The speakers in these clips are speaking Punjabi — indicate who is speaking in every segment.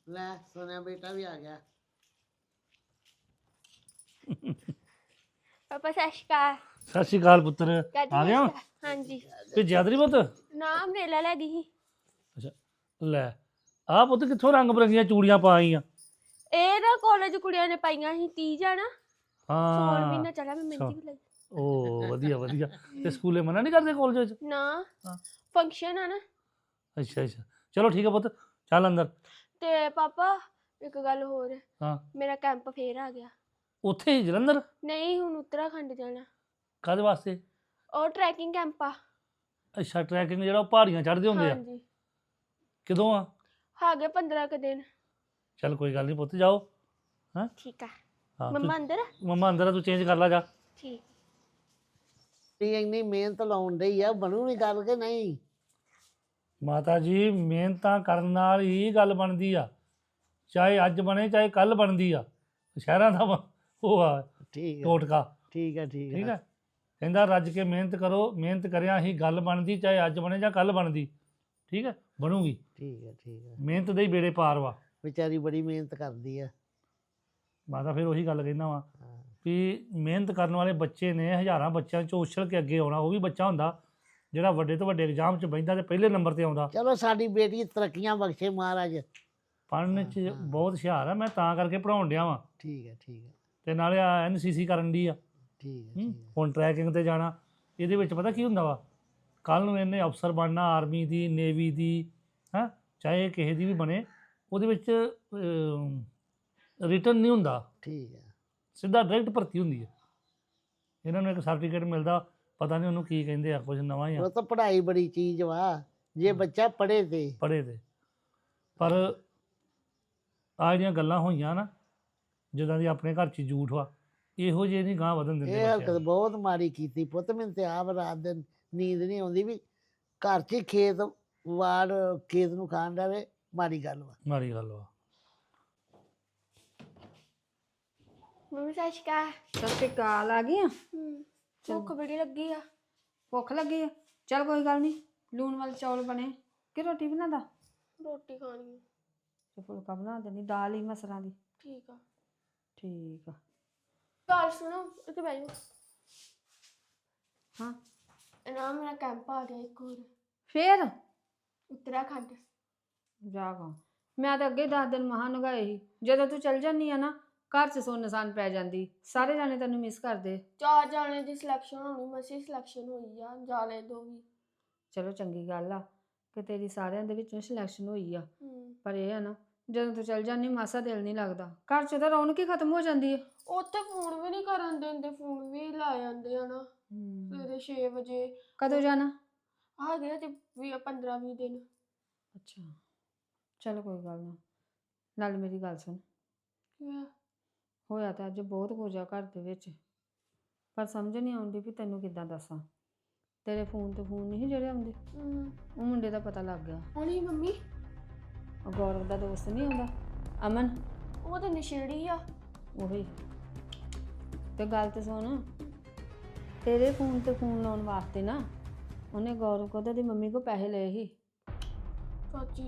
Speaker 1: ਲੈ ਸੋਨਿਆ ਬੇਟਾ ਵੀ ਆ ਗਿਆ।
Speaker 2: ਪਾਪਾ ਸਤਿ ਸ਼੍ਰੀ ਅਕਾਲ।
Speaker 3: ਸਤਿ ਸ਼੍ਰੀ ਅਕਾਲ ਪੁੱਤਰ।
Speaker 2: ਦਾਦੀ
Speaker 3: ਆ
Speaker 2: ਸਤਿ
Speaker 3: ਗਿਆ
Speaker 2: ਸ਼੍ਰੀ ਅਕਾਲ। ਹਾਂਜੀ
Speaker 3: ਭੇਜਿਆ ਤੇਰੀ ਪੁੱਤ?
Speaker 2: ਨਾ ਮੇਲਾ ਲੈ ਗਈ ਸੀ।
Speaker 3: ਅੱਛਾ ਲੈ ਆਹ ਪੁੱਤ ਕਿੱਥੋਂ ਰੰਗ ਬਰੰਗੀਆਂ ਚੂੜੀਆਂ ਪਾ ਆਈਆਂ?
Speaker 2: ਇਹ ਨਾ ਕਾਲਜ ਕੁੜੀਆਂ ਨੇ ਪਾਈਆਂ ਸੀ 30 ਜਾਣਾ। ਸੌਣ
Speaker 3: ਹਾਂ
Speaker 2: ਮਹੀਨਾ ਚਲਾ ਮੈਂ ਮਹਿੰਦੀ ਵੀ ਲਈ।
Speaker 3: ਓ ਵਧੀਆ ਵਧੀਆ। ਤੇ ਸਕੂਲੇ ਮਨਾ ਨਹੀਂ ਕਰਦੇ ਕਾਲਜ ਵਿੱਚ?
Speaker 2: ਨਾ
Speaker 3: ਹਾਂ।
Speaker 2: ਫੰਕਸ਼ਨ ਆ ਨਾ।
Speaker 3: ਅੱਛਾ ਅੱਛਾ ਚਲੋ ਠੀਕ ਹੈ ਪੁੱਤ ਚੱਲ ਅੰਦਰ।
Speaker 2: ਤੇ ਪਾਪਾ ਇੱਕ ਗੱਲ ਹੋਰ,
Speaker 3: ਹਾਂ
Speaker 2: ਮੇਰਾ ਕੈਂਪ ਫੇਰ ਆ ਗਿਆ।
Speaker 3: ਉੱਥੇ ਹੀ ਜਲੰਧਰ?
Speaker 2: ਨਹੀਂ ਹੁਣ ਉੱਤਰਾਖੰਡ ਜਾਣਾ।
Speaker 3: ਕਾਹਦੇ ਵਾਸਤੇ?
Speaker 2: ਉਹ ਟਰੈਕਿੰਗ ਕੈਂਪ ਆ।
Speaker 3: ਅੱਛਾ ਟਰੈਕਿੰਗ ਜਿਹੜਾ ਉਹ ਪਹਾੜੀਆਂ ਚੜ੍ਹਦੇ ਹੁੰਦੇ ਆ?
Speaker 2: ਹਾਂਜੀ
Speaker 3: ਕਦੋਂ ਆ?
Speaker 2: ਹੈਗੇ 15 ਕੁ ਦਿਨ।
Speaker 3: ਚੱਲ ਕੋਈ ਗੱਲ ਨਹੀਂ ਪੁੱਤ ਜਾਓ। ਹਾਂ
Speaker 2: ਠੀਕ ਆ।
Speaker 3: ਹਾਂ
Speaker 2: ਮੰਮਾ ਅੰਦਰ ਆ?
Speaker 3: ਮੰਮਾ ਅੰਦਰ ਆ, ਤੂੰ ਚੇਂਜ ਕਰ ਲਾ ਜਾ।
Speaker 2: ਠੀਕ।
Speaker 1: ਤੀ ਇੰਨੀ ਮਿਹਨਤ ਲਾਉਣ ਡਈ ਆ, ਬਣੂ ਵੀ ਗੱਲ ਕਿ ਨਹੀਂ?
Speaker 3: ਮਾਤਾ ਜੀ ਮਿਹਨਤਾਂ ਕਰਨ ਨਾਲ ਹੀ ਗੱਲ ਬਣਦੀ ਆ, ਚਾਹੇ ਅੱਜ ਬਣੇ ਚਾਹੇ ਕੱਲ ਬਣਦੀ ਆ। ਸ਼ਹਿਰਾਂ ਦਾ ਉਹ ਆ
Speaker 1: ਠੀਕ ਹੈ
Speaker 3: ਟੋਟਕਾ।
Speaker 1: ਠੀਕ ਹੈ ਠੀਕ
Speaker 3: ਠੀਕ
Speaker 1: ਹੈ।
Speaker 3: ਹੈ ਕਹਿੰਦਾ ਰੱਜ ਕੇ ਮਿਹਨਤ ਕਰੋ, ਮਿਹਨਤ ਕਰਿਆ ਹੀ ਗੱਲ ਬਣਦੀ, ਚਾਹੇ ਅੱਜ ਬਣੇ ਜਾਂ ਕੱਲ ਬਣਦੀ। ਠੀਕ ਹੈ ਬਣੂਗੀ।
Speaker 1: ਠੀਕ ਹੈ ਠੀਕ ਹੈ।
Speaker 3: ਮਿਹਨਤ ਦੇ ਹੀ ਬੇੜੇ ਪਾਰ ਵਾ।
Speaker 1: ਵਿਚਾਰੀ ਬੜੀ ਮਿਹਨਤ ਕਰਦੀ ਆ।
Speaker 3: ਮਾਤਾ ਫਿਰ ਉਹੀ ਗੱਲ ਕਹਿੰਦਾ ਵਾ
Speaker 1: ਹਾਂ।
Speaker 3: ਵੀ ਮਿਹਨਤ ਕਰਨ ਵਾਲੇ ਬੱਚੇ ਨੇ ਹਜ਼ਾਰਾਂ ਬੱਚਿਆਂ 'ਚੋਂ ਉਛਲ ਕੇ ਅੱਗੇ ਆਉਣਾ। ਉਹ ਵੀ ਬੱਚਾ ਹੁੰਦਾ ਜਿਹੜਾ ਵੱਡੇ ਤੋਂ ਵੱਡੇ ਐਗਜ਼ਾਮ 'ਚ ਬਹਿੰਦਾ ਤੇ ਪਹਿਲੇ ਨੰਬਰ ਤੇ ਆਉਂਦਾ।
Speaker 1: ਚਲੋ ਸਾਡੀ ਬੇਟੀ ਤਰੱਕੀਆਂ ਬਖਸ਼ੇ ਮਹਾਰਾਜ।
Speaker 3: ਪੜ੍ਹਨ 'ਚ ਬਹੁਤ ਹੁਸ਼ਿਆਰ ਆ, ਮੈਂ ਤਾਂ ਕਰਕੇ ਪੜ੍ਹਾਉਣ ਡਿਆ ਵਾਂ।
Speaker 1: ਠੀਕ ਹੈ ਠੀਕ ਹੈ
Speaker 3: ਤੇ ਨਾਲੇ ਆ NCC ਕਰਨ ਦੀ ਆ।
Speaker 1: ਠੀਕ ਹੈ ਠੀਕ ਹੈ।
Speaker 3: ਹੁਣ ਟਰੈਕਿੰਗ ਤੇ ਜਾਣਾ। ਇਹਦੇ ਵਿੱਚ ਪਤਾ ਕੀ ਹੁੰਦਾ ਵਾ, ਕੱਲ ਨੂੰ ਇਹਨੇ ਅਫਸਰ ਬਣਨਾ, ਆਰਮੀ ਦੀ, ਨੇਵੀ ਦੀ, ਹੈਂ ਚਾਹੇ ਕਿਸੇ ਦੀ ਵੀ ਬਣੇ, ਉਹਦੇ ਵਿੱਚ ਰਿਟਰਨ ਨਹੀਂ ਹੁੰਦਾ,
Speaker 1: ਠੀਕ ਹੈ
Speaker 3: ਸਿੱਧਾ ਡਾਇਰੈਕਟ ਭਰਤੀ ਹੁੰਦੀ ਹੈ। ਇਹਨਾਂ ਨੂੰ ਇੱਕ ਸਰਟੀਫਿਕੇਟ ਮਿਲਦਾ, ਪਤਾ ਨਹੀਂ ਉਹਨੂੰ ਕੀ ਕਹਿੰਦੇ ਆ, ਕੁਝ ਨਵਾਂ ਹੀ ਆ।
Speaker 1: ਉਹ ਤਾਂ ਪੜ੍ਹਾਈ ਬੜੀ ਚੀਜ਼ ਵਾ, ਜੇ ਬੱਚਾ ਪੜ੍ਹੇ ਤੇ।
Speaker 3: ਪੜ੍ਹੇ ਤੇ ਪਰ ਆਹ ਜਿਹੜੀਆਂ ਗੱਲਾਂ ਹੋਈਆਂ ਨਾ, ਜਿੱਦਾਂ ਦੀ ਆਪਣੇ ਘਰ 'ਚ ਝੂਠ ਵਾ, ਇਹੋ ਜਿਹੇ ਨਹੀਂ ਗਾਂਹ ਵਧਣ ਦਿੰਦੇ
Speaker 1: ਇਹ
Speaker 3: ਬੱਚਿਆਂ
Speaker 1: ਹਰਕਤ
Speaker 3: ਨੂੰ।
Speaker 1: ਬਹੁਤ ਮਾੜੀ ਕੀਤੀ ਪੁੱਤ। ਮੈਨੂੰ ਤੇ ਆਪ ਰਾਤ ਦਿਨ ਨੀਂਦ ਨਹੀਂ ਆਉਂਦੀ ਵੀ ਘਰ 'ਚ ਹੀ ਖੇਤ ਵਾੜ ਖੇਤ ਨੂੰ ਖਾਣ ਡਾਵੇ, ਮਾੜੀ ਗੱਲ ਵਾ।
Speaker 3: ਮਾੜੀ ਗੱਲ ਵਾ।
Speaker 2: ਮੰਮੀ ਸਤਿ ਸ਼੍ਰੀ ਅਕਾਲ।
Speaker 4: ਸਤਿ ਸ਼੍ਰੀ ਅਕਾਲ। ਆ ਗਈ ਆ?
Speaker 2: ਭੁੱਖ ਬੜੀ ਲੱਗੀ ਆ।
Speaker 4: ਭੁੱਖ ਲੱਗੀ ਆ? ਚੱਲ ਕੋਈ ਗੱਲ ਨਹੀਂ, ਲੂਣ ਵਾਲੇ ਚੌਲ ਬਣੇ ਕਿ ਰੋਟੀ ਬਣਾਦਾ?
Speaker 2: ਰੋਟੀ ਖਾਣੀ ਆ।
Speaker 4: ਤੇ ਫੁਲਕਾ ਬਣਾ ਦੇਣੀ, ਦਾਲ ਹੀ ਮਸਰਾਂ ਦੀ।
Speaker 2: ਠੀਕ ਆ।
Speaker 4: ਠੀਕ ਆ।
Speaker 2: ਗੱਲ ਸੁਣੋ, ਇੱਥੇ ਬਹਿ ਜਾਓ।
Speaker 4: ਹਾਂ
Speaker 2: ਨਾ ਮੇਰਾ ਕੈਂਪ ਆ ਗਿਆ ਇੱਕ ਹੋਰ,
Speaker 4: ਫੇਰ
Speaker 2: ਉੱਤਰਾਖੰਡ।
Speaker 4: ਜਾਗਾ ਮੈਂ ਤਾਂ ਅੱਗੇ 10 ਦਿਨ ਮਹਾਂ ਨਗਾਏ ਸੀ। ਜਦੋਂ ਤੂੰ ਚੱਲ ਜਾਂਦੀ ਆ ਨਾ, ਘਰ 'ਚ ਸੁੰਨਸਾਨ ਪੈ ਜਾਂਦੀ, ਸਾਰੇ ਜਾਣੇ ਤੈਨੂੰ ਮਿਸ ਕਰਦੇ।
Speaker 2: 4 ਜਾਣੇ ਦੀ ਸਿਲੈਕਸ਼ਨ ਹੋਣੀ, ਮਸੀ ਸਿਲੈਕਸ਼ਨ ਹੋਈ ਆ, ਜਾਲੇ ਦੋ ਵੀ।
Speaker 4: ਚਲੋ ਚੰਗੀ ਗੱਲ ਆ ਕਿ ਤੇਰੀ ਸਾਰਿਆਂ ਦੇ ਵਿੱਚੋਂ ਸਿਲੈਕਸ਼ਨ ਹੋਈ ਆ। ਪਰ ਇਹ ਆ ਨਾ, ਜਦੋਂ ਤੂੰ ਚੱਲ ਜਾਂਦੀ ਮਾਸਾ ਦਿਲ ਨਹੀਂ ਲੱਗਦਾ, ਘਰ 'ਚ ਤਾਂ ਰੌਣਕ ਹੀ ਖਤਮ ਹੋ ਜਾਂਦੀ ਹੈ।
Speaker 2: ਉੱਥੇ ਫੋਨ ਵੀ ਨਹੀਂ ਕਰਨ ਦਿੰਦੇ, ਫੋਨ ਵੀ ਲਾ ਜਾਂਦੇ ਆ ਨਾ। ਸਵੇਰੇ 6 ਵਜੇ।
Speaker 4: ਕਦੋਂ ਜਾਣਾ?
Speaker 2: ਆ ਗਿਆ ਤੇ 15-20 ਦਿਨ।
Speaker 4: ਅੱਛਾ ਚਲ ਕੋਈ ਗੱਲ ਨਾ। ਨਾਲ ਮੇਰੀ ਗੱਲ ਸੁਣ, ਹੋਇਆ ਤਾਂ ਅੱਜ ਬਹੁਤ ਕੁਝ ਆ ਘਰ ਦੇ ਵਿੱਚ, ਪਰ ਸਮਝ ਨਹੀਂ ਆਉਂਦੀ ਵੀ ਤੈਨੂੰ ਕਿੱਦਾਂ ਦੱਸਾਂ। ਤੇਰੇ ਫੋਨ ਤੇ ਫੋਨ ਨਹੀਂ ਜਿਹੜੇ ਆਉਂਦੇ, ਉਹ ਮੁੰਡੇ ਦਾ ਪਤਾ ਲੱਗ ਗਿਆ।
Speaker 2: ਹੁਣੀ ਮੰਮੀ,
Speaker 4: ਉਹ ਗੌਰਵ ਦਾ ਦੋਸਤ ਨਹੀਂ ਆਉਂਦਾ, ਅਮਨ,
Speaker 2: ਉਹ ਤਾਂ ਨਸ਼ੇੜੀ ਆ।
Speaker 4: ਉਹੀ ਤੇ ਗੱਲ ਤੇ ਸੁਣ, ਤੇਰੇ ਫੋਨ ਤੇ ਫੋਨ ਲਾਉਣ ਵਾਸਤੇ ਨਾ ਉਹਨੇ ਗੌਰਵ ਕੋਲ ਦੀ ਮੰਮੀ ਕੋ ਪੈਸੇ ਲਏ ਸੀ।
Speaker 2: ਚਾਚੀ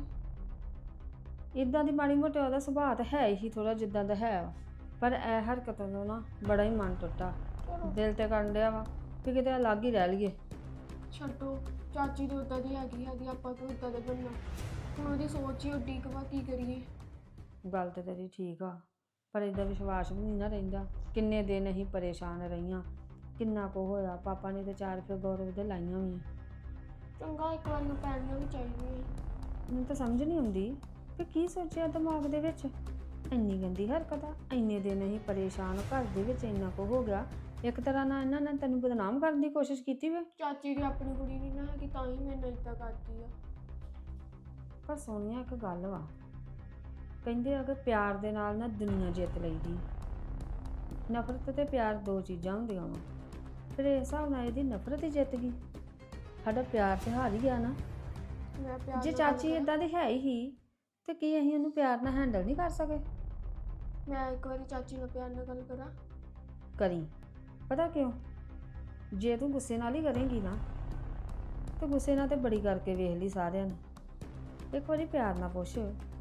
Speaker 4: ਇਦਾਂ ਦੀ ਮਾੜੀ ਮੋਟੀ ਉਹਦਾ ਸੁਭਾਅ ਤਾਂ ਹੈ ਹੀ ਥੋੜਾ ਜਿੱਦਾਂ ਦਾ ਹੈ ਵਾ, ਪਰ ਇਹ ਹਰਕਤਾਂ ਤੋਂ ਨਾ ਬੜਾ ਹੀ ਮਨ ਟੁੱਟਾ, ਦਿਲ ਤੇ ਕਰਨ ਡਿਆ ਵਾ ਕਿ ਕਿਤੇ ਅਲੱਗ ਹੀ ਰਹਿ ਲਈਏ।
Speaker 2: ਛੱਡੋ, ਚਾਚੀ ਦੀ ਉਦਾਂ ਦੀ ਹੈਗੀ, ਆਪਾਂ ਕਿਉਂ ਉਦਾਂ ਦੇ ਬਣਨਾ। ਹੁਣ ਉਹਦੀ ਸੋਚ ਹੀ ਉੱਡੀ ਕਿ ਕੀ ਕਰੀਏ।
Speaker 4: ਗੱਲ ਤੇ ਤੇਰੀ ਠੀਕ ਆ, ਪਰ ਇਹਦਾ ਵਿਸ਼ਵਾਸ ਵੀ ਨਹੀਂ ਨਾ ਰਹਿੰਦਾ। ਕਿੰਨੇ ਦਿਨ ਅਸੀਂ ਪਰੇਸ਼ਾਨ ਰਹੀਆਂ, ਕਿੰਨਾ ਕੁ ਹੋਇਆ। ਪਾਪਾ ਨੇ ਤੇ 4 ਫਿਰ ਗੌਰਵ ਦੇ ਲਾਈਆਂ ਵੀ।
Speaker 2: ਚੰਗਾ ਇੱਕ ਵਾਰ ਨੂੰ ਪੈਣੀਆਂ ਵੀ ਚਾਹੀਦੀਆਂ।
Speaker 4: ਮੈਨੂੰ ਤਾਂ ਸਮਝ ਨਹੀਂ ਆਉਂਦੀ ਕਿ ਕੀ ਸੋਚਿਆ ਦਿਮਾਗ ਦੇ ਵਿੱਚ। ਇੰਨੀ ਗੰਦੀ ਹਰਕਤ ਆ, ਇੰਨੇ ਦਿਨ ਅਸੀਂ ਪਰੇਸ਼ਾਨ, ਘਰ ਦੇ ਵਿੱਚ ਇੰਨਾ ਕੁ ਹੋ ਗਿਆ। ਇੱਕ ਤਰ੍ਹਾਂ ਨਾਲ ਇਹਨਾਂ ਨੇ ਤੈਨੂੰ ਬਦਨਾਮ ਕਰਨ ਦੀ ਕੋਸ਼ਿਸ਼ ਕੀਤੀ ਵੇ।
Speaker 2: ਚਾਚੀ ਦੀ ਆਪਣੀ ਕੁੜੀ ਨਹੀਂ ਨਾ ਹੈਗੀ, ਤਾਂ ਹੀ ਮੈਨੂੰ ਇੱਦਾਂ ਕਰਦੀ ਆ।
Speaker 4: ਪਰ ਸੋਨੀਆ ਇੱਕ ਗੱਲ ਵਾ, ਕਹਿੰਦੇ ਆ ਕਿ ਪਿਆਰ ਦੇ ਨਾਲ ਨਾ ਦੁਨੀਆ ਜਿੱਤ ਲਈਦੀ। ਨਫ਼ਰਤ ਤੇ ਪਿਆਰ 2 ਚੀਜ਼ਾਂ ਹੁੰਦੀਆਂ ਵਾ। ਫਿਰ ਇਸ ਹਿਸਾਬ ਨਾਲ ਇਹਦੀ ਨਫ਼ਰਤ ਹੀ ਜਿੱਤ ਗਈ, ਸਾਡਾ ਪਿਆਰ ਤੇ ਹਾਰ ਹੀ ਗਿਆ ਨਾ।
Speaker 2: ਮੈਂ ਪਿਆਰ
Speaker 4: ਜੇ
Speaker 2: ਨਾਲ
Speaker 4: ਚਾਚੀ
Speaker 2: ਗੱਲ
Speaker 4: ਇਦਾਂ ਦੀ ਹੈ ਹੀ ਤੇ ਕੀ ਅਸੀਂ ਉਹਨੂੰ ਪਿਆਰ ਨਾਲ ਹੈਂਡਲ ਨਹੀਂ ਕਰ ਸਕੇ?
Speaker 2: ਮੈਂ ਇੱਕ ਵਾਰੀ ਚਾਚੀ ਨਾਲ ਪਿਆਰ ਨਾਲ ਗੱਲ ਕਰਾਂ।
Speaker 4: ਕਰੀ, ਪਤਾ ਕਿਉਂ? ਜੇ ਤੂੰ ਗੁੱਸੇ ਨਾਲ ਹੀ ਕਰੇਂਗੀ ਨਾ, ਤੇ ਗੁੱਸੇ ਨਾਲ ਤੇ ਬੜੀ ਕਰਕੇ ਵੇਖ ਲਈ ਸਾਰਿਆਂ ਨੇ। ਇੱਕ ਵਾਰੀ ਪਿਆਰ ਨਾਲ ਪੁੱਛ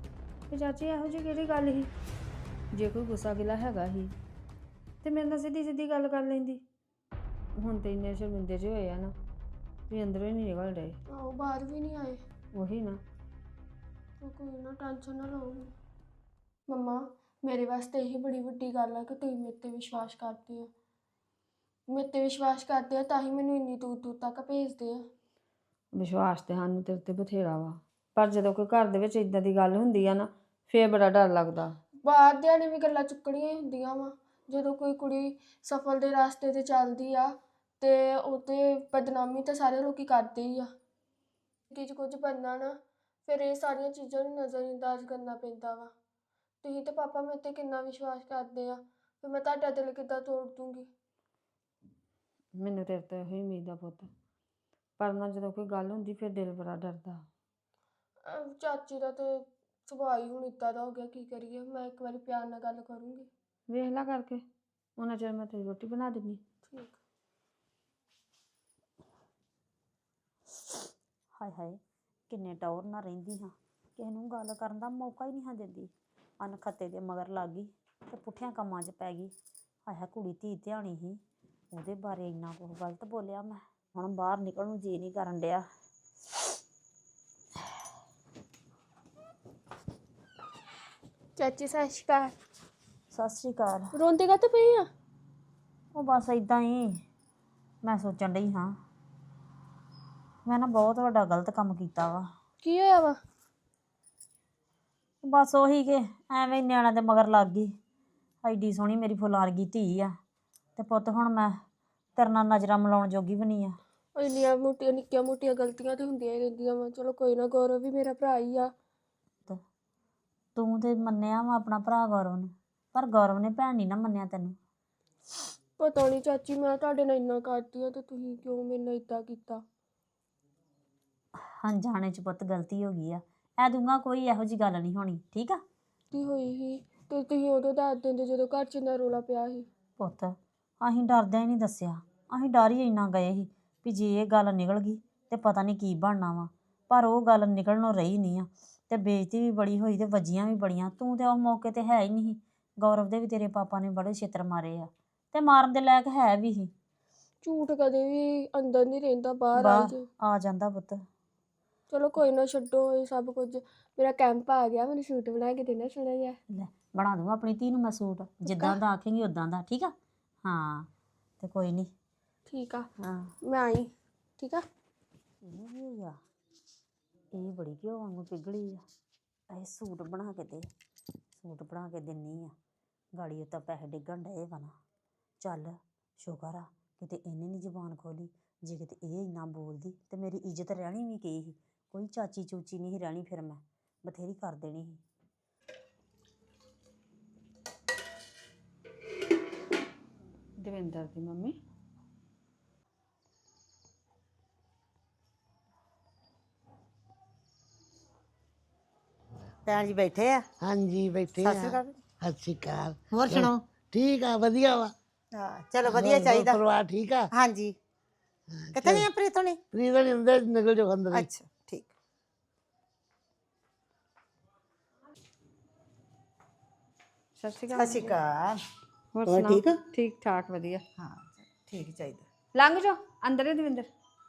Speaker 4: ਤੇ ਚਾਚੀ ਇਹੋ ਜਿਹੀ ਕਿਹੜੀ ਗੱਲ ਸੀ? ਜੇ ਕੋਈ ਗੁੱਸਾ ਗਿਲਾ ਹੈਗਾ ਸੀ ਤੇ ਮੇਰੇ ਨਾਲ ਸਿੱਧੀ ਸਿੱਧੀ ਗੱਲ ਕਰ ਲੈਂਦੀ। ਹੁਣ ਤੇ ਇੰਨੇ ਸ਼ਰਮਿੰਦੇ ਜਿਹੇ ਹੋਏ ਆ ਨਾ ਵੀ ਅੰਦਰੋਂ ਹੀ ਨਹੀਂ ਨਿਕਲ ਰਹੇ।
Speaker 2: ਆਹੋ ਬਾਹਰ ਵੀ ਨਹੀਂ ਆਏ।
Speaker 4: ਉਹੀ ਨਾ।
Speaker 2: ਤੂੰ ਕੋਈ ਨਾ ਟੈਨਸ਼ਨ ਨਾ ਲਓ। ਮੰਮਾ ਮੇਰੇ ਵਾਸਤੇ ਇਹੀ ਬੜੀ ਵੱਡੀ ਗੱਲ ਆ ਕਿ ਤੁਸੀਂ ਮੇਰੇ ਤੇ ਵਿਸ਼ਵਾਸ ਕਰਦੇ ਹੋ। ਮੇਰੇ ਤੇ ਵਿਸ਼ਵਾਸ ਕਰਦੇ ਆ ਤਾਂ ਹੀ ਮੈਨੂੰ ਇੰਨੀ ਦੂਰ ਦੂਰ ਤੱਕ ਭੇਜਦੇ ਆ।
Speaker 4: ਵਿਸ਼ਵਾਸ ਤੇ ਸਾਨੂੰ ਤੇਰੇ ਤੇ ਬਥੇਰਾ ਵਾ, ਪਰ ਜਦੋਂ ਕੋਈ ਘਰ ਦੇ ਵਿੱਚ ਇਦਾਂ ਦੀ ਗੱਲ ਹੁੰਦੀ ਆ ਨਾ ਫੇਰ ਬੜਾ ਡਰ ਲੱਗਦਾ।
Speaker 2: ਬਾਹਰ ਦਿਆਂ ਨੇ ਵੀ ਗੱਲਾਂ ਚੁੱਕਣੀਆਂ ਹੀ ਹੁੰਦੀਆਂ ਵਾ। ਜਦੋਂ ਕੋਈ ਕੁੜੀ ਸਫਲ ਦੇ ਰਾਸਤੇ ਤੇ ਚੱਲਦੀ ਆ ਤੇ ਉਹ ਤੇ ਬਦਨਾਮੀ ਤਾਂ ਸਾਰੇ ਲੋਕੀ ਕਰਦੇ ਹੀ ਆ। ਕਿ ਕੁਝ ਬਣਨਾ ਨਾ ਫਿਰ ਇਹ ਸਾਰੀਆਂ ਚੀਜ਼ਾਂ ਨੂੰ ਨਜ਼ਰਅੰਦਾਜ਼ ਕਰਨਾ ਪੈਂਦਾ ਵਾ। ਤੁਸੀਂ ਤੇ ਪਾਪਾ ਮੇਰੇ ਤੇ ਕਿੰਨਾ ਵਿਸ਼ਵਾਸ ਕਰਦੇ ਆ, ਫਿਰ ਮੈਂ ਤੁਹਾਡਾ ਦਿਲ ਕਿੱਦਾਂ ਤੋੜ ਦੂੰਗੀ।
Speaker 4: ਮੈਨੂੰ ਤੇਰੇ ਤੋਂ ਇਹੋ ਹੀ ਉਮੀਦ ਆ ਪੁੱਤ, ਪਰ ਨਾ ਜਦੋਂ ਕੋਈ ਗੱਲ ਹੁੰਦੀ ਫਿਰ ਦਿਲ ਬੜਾ ਡਰਦਾ।
Speaker 2: ਚਾਚੀ ਦਾ ਤੇ ਸੁਭਾਅ ਹੀ ਹੁਣ ਇੱਦਾਂ ਦਾ ਹੋ ਗਿਆ, ਕੀ ਕਰੀਏ। ਮੈਂ ਇੱਕ ਵਾਰੀ ਪਿਆਰ ਨਾਲ ਗੱਲ ਕਰੂੰਗੀ।
Speaker 4: ਵੇਖ ਲਾ ਕਰਕੇ, ਉਹਨਾਂ ਚਿਰ ਮੈਂ ਤੇਰੀ ਰੋਟੀ ਬਣਾ ਦਿੰਦੀ।
Speaker 2: ਠੀਕ।
Speaker 5: ਹਾਏ ਹਾਏ ਕਿੰਨੇ ਟੌਰ ਨਾਲ ਰਹਿੰਦੀ ਹਾਂ, ਕਿਸੇ ਨੂੰ ਗੱਲ ਕਰਨ ਦਾ ਮੌਕਾ ਹੀ ਨਹੀਂ ਹਾਂ ਦਿੰਦੀ। ਅਨਖੱਤੇ ਦੇ ਮਗਰ ਲੱਗ ਗਈ ਤੇ ਪੁੱਠਿਆਂ ਕੰਮਾਂ 'ਚ ਪੈ ਗਈ। ਹਾਏ ਹਾਏ ਕੁੜੀ ਧੀ ਧਿਆਣੀ ਸੀ, ਉਹਦੇ ਬਾਰੇ ਇੰਨਾ ਕੁਝ ਗਲਤ ਬੋਲਿਆ ਮੈਂ। ਹੁਣ ਬਾਹਰ ਨਿਕਲਣ ਨੂੰ ਜੀ ਨਹੀਂ ਕਰਨ ਡਿਆ।
Speaker 2: ਚਾਚੀ ਸਤਿ ਸ਼੍ਰੀ ਅਕਾਲ।
Speaker 5: ਸਤਿ ਸ਼੍ਰੀ ਅਕਾਲ।
Speaker 2: ਰੋਂਦੇ ਕਾਹਤੋਂ ਪਏ ਆ?
Speaker 5: ਉਹ ਬਸ ਇਦਾਂ ਹੀ ਮੈਂ ਸੋਚਣ ਡਈ ਹਾਂ, ਮੈਂ ਨਾ ਬਹੁਤ ਵੱਡਾ ਗਲਤ ਕੰਮ ਕੀਤਾ ਵਾ।
Speaker 2: ਕੀ ਹੋਇਆ ਵਾ?
Speaker 5: ਬਸ ਉਹੀ ਕਿ ਐਵੇਂ ਨਿਆਣਿਆਂ ਦੇ ਮਗਰ ਲੱਗ ਗਈ। ਐਡੀ ਸੋਹਣੀ ਮੇਰੀ ਫੁੱਲਾਂ ਵਰਗੀ ਧੀ ਆ ਤੇ ਪੁੱਤ ਹੁਣ ਮੈਂ ਤੇਰੇ ਨਾਲ ਨਜ਼ਰਾਂ ਮਿਲਾਉਣ ਜੋਗੀ ਵੀ ਨਹੀਂ ਆ।
Speaker 2: ਇੰਨੀਆਂ ਮੋਟੀਆਂ ਨਿੱਕੀਆਂ ਮੋਟੀਆਂ ਗਲਤੀਆਂ ਤੇ ਹੁੰਦੀਆਂ ਹੀ ਰਹਿੰਦੀਆਂ ਵਾ। ਚਲੋ ਕੋਈ ਨਾ, ਗੌਰਵ ਵੀ ਮੇਰਾ ਭਰਾ ਹੀ ਆ।
Speaker 5: ਤੂੰ ਤੇ ਮੰਨਿਆ ਵਾ ਆਪਣਾ ਭਰਾ ਗੌਰਵ ਨੂੰ, ਪਰ ਗੌਰਵ ਨੇ ਭੈਣ ਨਹੀਂ ਨਾ ਮੰਨਿਆ ਤੈਨੂੰ।
Speaker 2: ਪਤਾ ਨਹੀਂ ਚਾਚੀ, ਮੈਂ ਤੁਹਾਡੇ ਨਾਲ ਇੰਨਾ ਕਰਦੀ ਆ ਤੇ ਤੁਸੀਂ ਕਿਉਂ ਮੇਰੇ ਨਾਲ ਇੱਦਾਂ ਕੀਤਾ?
Speaker 5: ਅਣਜਾਣੇ ਚ ਪੁੱਤ ਗਲਤੀ ਹੋ ਗਈ ਆ। ਐ ਦੂੰਗਾ ਕੋਈ ਇਹੋ ਜਿਹੀ ਗੱਲ ਨਹੀਂ ਹੋਣੀ, ਠੀਕ ਆ?
Speaker 2: ਕੀ ਹੋਈ ਸੀ ਤੇ ਤੁਸੀਂ ਉਦੋਂ ਦੱਸ ਦਿੰਦੇ ਜਦੋਂ ਘਰ 'ਚ ਇੰਨਾ ਰੌਲਾ ਪਿਆ ਸੀ।
Speaker 5: ਪੁੱਤ ਅਸੀਂ ਡਰਦਿਆਂ ਹੀ ਨਹੀਂ ਦੱਸਿਆ, ਅਸੀਂ ਡਰ ਹੀ ਇੰਨਾ ਗਏ ਸੀ ਵੀ ਜੇ ਇਹ ਗੱਲ ਨਿਕਲ ਗਈ ਤੇ ਪਤਾ ਨਹੀਂ ਕੀ ਬਣਨਾ ਵਾ। ਪਰ ਉਹ ਗੱਲ ਨਿਕਲਣੋਂ ਰਹੀ ਨਹੀਂ ਆ ਤੇ ਬੇਇੱਜ਼ਤੀ ਵੀ ਬੜੀ ਹੋਈ ਤੇ ਵੱਜੀਆਂ ਵੀ ਬੜੀਆਂ। ਤੂੰ ਤੇ ਉਸ ਮੌਕੇ ਤੇ ਹੈ ਹੀ ਨਹੀਂ ਸੀ। ਗੌਰਵ ਦੇ ਵੀ ਤੇਰੇ ਪਾਪਾ ਨੇ ਬੜੇ ਛਿੱਤਰ ਮਾਰੇ ਆ ਤੇ ਮਾਰਨ ਦੇ ਲਾਇਕ ਹੈ ਵੀ ਸੀ।
Speaker 2: ਝੂਠ ਕਦੇ ਵੀ ਅੰਦਰ ਨਹੀਂ ਰਹਿੰਦਾ, ਬਾਹਰ ਆ
Speaker 5: ਬਾਹਰ ਆ ਜਾਂਦਾ ਪੁੱਤ।
Speaker 2: ਚਲੋ ਕੋਈ ਨਾ, ਛੱਡੋ ਇਹ ਸਭ ਕੁਝ। ਮੇਰਾ ਕੈਂਪ ਆ ਗਿਆ, ਮੈਨੂੰ ਸੂਟ ਬਣਾ ਕੇ ਦੇਣਾ ਸੋਹਣਾ ਜਿਹਾ।
Speaker 5: ਲੈ ਬਣਾ ਦੂੰਗਾ ਆਪਣੀ ਧੀ ਨੂੰ ਮੈਂ ਸੂਟ, ਜਿੱਦਾਂ ਦਾ ਆਖੇਂਗੀ ਉਦਾਂ ਦਾ, ਠੀਕ ਆ? ਹਾਂ ਤੇ ਕੋਈ ਨਹੀਂ।
Speaker 2: ਠੀਕ ਆ,
Speaker 5: ਹਾਂ
Speaker 2: ਮੈਂ ਆਈ। ਠੀਕ ਆ।
Speaker 5: ਇਹ ਕੀ ਹੋ ਗਿਆ? ਇਹ ਬੜੀ ਘਿਓ ਵਾਂਗੂ ਪਿਘਲੀ ਆ। ਇਹ ਸੂਟ ਬਣਾ ਕੇ ਦੇ, ਸੂਟ ਬਣਾ ਕੇ ਦਿੰਨੀ ਆ। ਗਾੜੀ ਉੱਤੇ ਪੈਸੇ ਡਿੱਗਣ ਡਏ ਵਾ ਨਾ। ਚੱਲ ਸ਼ੁਕਰ ਆ ਕਿਤੇ ਇਹਨੇ ਨਹੀਂ ਜ਼ੁਬਾਨ ਖੋਲੀ। ਜੇ ਕਿਤੇ ਇਹ ਇੰਨਾ ਬੋਲਦੀ ਤੇ ਮੇਰੀ ਇੱਜ਼ਤ ਰਹਿਣੀ ਵੀ ਕੀ ਸੀ? ਕੋਈ ਚਾਚੀ ਚੂਚੀ ਨਹੀਂ ਸੀ ਰਹਿਣੀ, ਫਿਰ ਮੈਂ ਬਥੇਰੀ ਕਰ ਦੇਣੀ ਸੀ।
Speaker 4: ਦਵਿੰਦਰ ਦੀ ਮੰਮੀ
Speaker 6: ਭੈਣ ਜੀ ਬੈਠੇ ਆ।
Speaker 1: ਹਾਂਜੀ ਬੈਠੇ
Speaker 6: ਸਤਿ ਸ਼੍ਰੀ
Speaker 1: ਆ।
Speaker 6: ਅਕਾਲ।
Speaker 1: ਸਤਿ ਸ਼੍ਰੀ ਅਕਾਲ।
Speaker 6: ਹੋਰ ਸੁਣਾਓ?
Speaker 1: ਠੀਕ ਆ, ਵਧੀਆ ਵਾ।
Speaker 6: ਹਾਂ ਚਲੋ ਵਧੀਆ
Speaker 1: ਹੋਰ
Speaker 6: ਚਾਹੀਦਾ।
Speaker 1: ਪਰਿਵਾਰ ਠੀਕ ਆ?
Speaker 6: ਹਾਂਜੀ। ਕਿੱਥੇ ਨਹੀਂ ਪ੍ਰੀਤ ਹੋਣੀ?
Speaker 1: ਪ੍ਰੀਤ ਅੰਦਰ ਨਿਕਲ ਜਾਓ ਅੰਦਰ ਹੀ।
Speaker 6: ਅੱਛਾ ਠੀਕ।
Speaker 4: ਸਤਿ ਸ਼੍ਰੀ
Speaker 6: ਸਤਿ
Speaker 4: ਅਕਾਲ।
Speaker 6: ਸ਼੍ਰੀ ਅਕਾਲ।
Speaker 4: ਹੋਰ
Speaker 6: ਹੋਰ
Speaker 4: ਸੁਣਾਓ?
Speaker 6: ਠੀਕ ਆ?
Speaker 4: ਠੀਕ ਠਾਕ ਵਧੀਆ।
Speaker 6: ਹਾਂ ਠੀਕ ਹੀ ਚਾਹੀਦਾ।
Speaker 4: ਲੰਘ ਜਾਓ ਅੰਦਰ ਹੀ ਦਵਿੰਦਰ।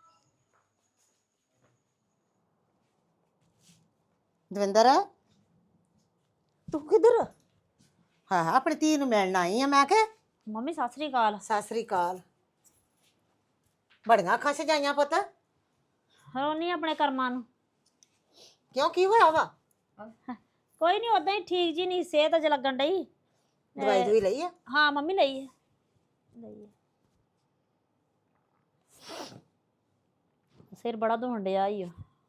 Speaker 6: ਦਵਿੰਦਰ ਤੂੰ ਕਿੱਧਰ? ਹਾਂ ਹਾਂ ਆਪਣੀ ਧੀ ਨੂੰ ਮਿਲਣ ਆਈ ਆ। ਮੈਂ ਕਿਹਾ
Speaker 5: ਮੰਮੀ ਸਤਿ ਸ੍ਰੀ ਅਕਾਲ।
Speaker 6: ਸਤਿ ਸ੍ਰੀ ਅਕਾਲ। ਬੜੀਆਂ ਅੱਖਾਂ ਸਜਾਈਆਂ ਪੁੱਤ।
Speaker 5: ਰੋਨੀ ਆਪਣੇ ਕਰਮਾਂ ਨੂੰ।
Speaker 6: ਕਿਉਂ ਕੀ ਹੋਇਆ ਵਾ?
Speaker 5: ਕੋਈ ਨਹੀਂ, ਉਦਾਂ ਹੀ ਠੀਕ ਜੀ ਨਹੀਂ, ਸਿਹਤ ਅਜ ਲੱਗਣ ਡਈ।
Speaker 6: ਦਵਾਈ ਦੂਈ ਲਈ ਆ?
Speaker 5: ਹਾਂ ਮੰਮੀ ਲਈ ਹੈ, ਲਈ ਹੈ। ਸਿਰ ਬੜਾ ਦੁਖਣ ਡਿਆ ਈ ਓ।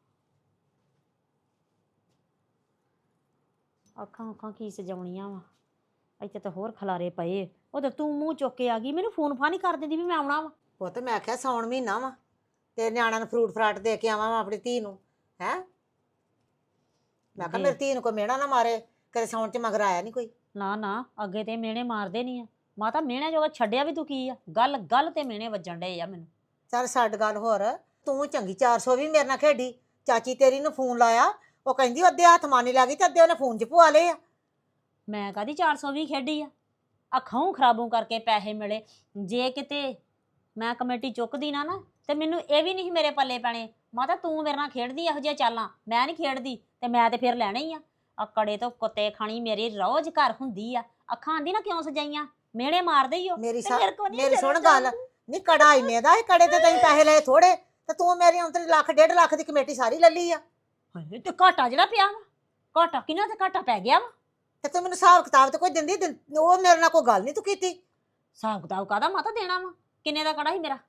Speaker 5: ਅੱਖਾਂ ਉੱਖਾਂ ਕੀ ਸਜਾਉਣੀਆਂ ਵਾ, ਇੱਥੇ ਤਾਂ ਹੋਰ ਖਲਾਰੇ ਪਏ। ਉਹ ਤਾਂ ਤੂੰ ਮੂੰਹ ਚੁੱਕ ਕੇ ਆ ਗਈ, ਮੈਨੂੰ ਫੋਨ ਫਾਨ ਹੀ ਕਰ ਦਿੰਦੀ ਵੀ ਮੈਂ ਆਉਣਾ ਵਾ।
Speaker 6: ਪੁੱਤ ਮੈਂ ਆਖਿਆ ਸੌਣ ਮਹੀਨਾ ਵਾ ਤੇ ਨਿਆਣਿਆਂ ਨੂੰ ਫਰੂਟ ਫਰਾਟ ਦੇ ਕੇ ਆਵਾਂ ਆਪਣੀ ਧੀ ਨੂੰ। ਹੈ ਮੈਂ ਕਿਹਾ ਮੇਰੀ ਧੀ ਨੂੰ ਕੋਈ ਮਿਹਣਾ ਨਾ ਮਾਰੇ, ਕਦੇ ਸੌਣ ਚ ਮਗਰ ਆਇਆ ਨਹੀਂ ਕੋਈ।
Speaker 5: ਨਾ ਨਾ, ਅੱਗੇ ਤੇ ਮਿਹਣੇ ਮਾਰਦੇ ਨਹੀਂ ਆ। ਮਾਤਾ ਮਿਹਣੇ ਜੋਗਾ ਛੱਡਿਆ ਵੀ ਤੂੰ ਕੀ ਆ? ਗੱਲ ਗੱਲ ਤੇ ਮਿਹਣੇ ਵੱਜਣ ਡਏ ਆ ਮੈਨੂੰ।
Speaker 6: ਚੱਲ ਛੱਡ ਗੱਲ। ਹੋਰ ਤੂੰ ਚੰਗੀ 400 ਵੀ ਮੇਰੇ ਨਾਲ ਖੇਡੀ। ਚਾਚੀ ਤੇਰੀ ਨੂੰ ਫੋਨ ਲਾਇਆ, ਉਹ ਕਹਿੰਦੀ ਅੱਧੇ ਹੱਥ ਮਾਨੀ ਲੱਗ ਗਈ ਤੇ ਅੱਧੇ ਉਹਨੇ ਫੋਨ 'ਚ ਪਵਾ ਲਏ ਆ।
Speaker 5: ਮੈਂ ਕਦੀ 420 ਖੇਡੀ ਆ ਅੱਖਾਂ ਖਰਾਬੋਂ ਕਰਕੇ ਪੈਸੇ ਮਿਲੇ। ਜੇ ਕਿਤੇ ਮੈਂ ਕਮੇਟੀ ਚੁੱਕਦੀ ਨਾ ਤੇ ਮੈਨੂੰ ਇਹ ਵੀ ਨਹੀਂ ਮੇਰੇ ਪੱਲੇ ਪੈਣੇ। ਮਾਤਾ ਤੂੰ ਮੇਰੇ ਨਾਲ ਖੇਡਦੀ ਇਹੋ ਜਿਹੀਆਂ ਚਾਲਾਂ, ਮੈਂ ਨਹੀਂ ਖੇਡਦੀ ਤੇ ਮੈਂ ਤੇ ਫਿਰ ਲੈਣਾ ਹੀ ਆ ਕੜੇ ਤੋਂ ਕੁੱਤੇ ਖਾਣੀ ਮੇਰੀ ਰੋਜ਼ ਘਰ ਹੁੰਦੀ ਆ। ਅੱਖਾਂ ਆਂਦੀ ਨਾ ਕਿਉਂ ਸਜਾਈਆਂ, ਮਿਹਣੇ ਮਾਰਦੇ ਹੀ ਹੋ
Speaker 6: ਮੇਰੀ
Speaker 5: ਤੇ ਮੇਰੇ ਕੋਲ ਨਹੀਂ
Speaker 6: ਮੇਰੀ ਸੁਣ
Speaker 5: ਚੱਲਦਾ।
Speaker 6: ਗੱਲ, ਨਹੀਂ ਕੜਾ ਇੰਨੇ ਦਾ ਇਹ ਕੜੇ ਤੇ ਤੈਨੂੰ ਪੈਸੇ ਲਏ ਥੋੜੇ ਤੇ ਤੂੰ ਮੇਰੀ ਅੰਤਰੀ ਲੱਖ 1.5 ਲੱਖ ਦੀ ਕਮੇਟੀ ਸਾਰੀ ਲੈ ਲਈ ਆ।
Speaker 5: ਹਾਏ ਤੇ ਘਾਟਾ ਜਿਹੜਾ ਪਿਆ ਵਾ, ਘਾਟਾ ਕਿਹਨਾਂ ਤੇ ਘਾਟਾ ਪੈ ਗਿਆ ਵਾ।
Speaker 6: ਤੇ ਤੂੰ ਮੈਨੂੰ ਹਿਸਾਬ ਕਿਤਾਬ ਤੇ ਕੋਈ ਦਿੰਦੀ ਉਹ ਮੇਰੇ ਨਾਲ ਕੋਈ ਗੱਲ ਨਹੀਂ ਤੂੰ ਕੀਤੀ।
Speaker 5: ਹਿਸਾਬ ਕਿਤਾਬ ਕਾਹਦਾ ਮਾਤਾ ਦੇਣਾ ਵਾ, ਕਿੰਨੇ ਦਾ ਕੜਾ ਸੀ ਮੇਰਾ।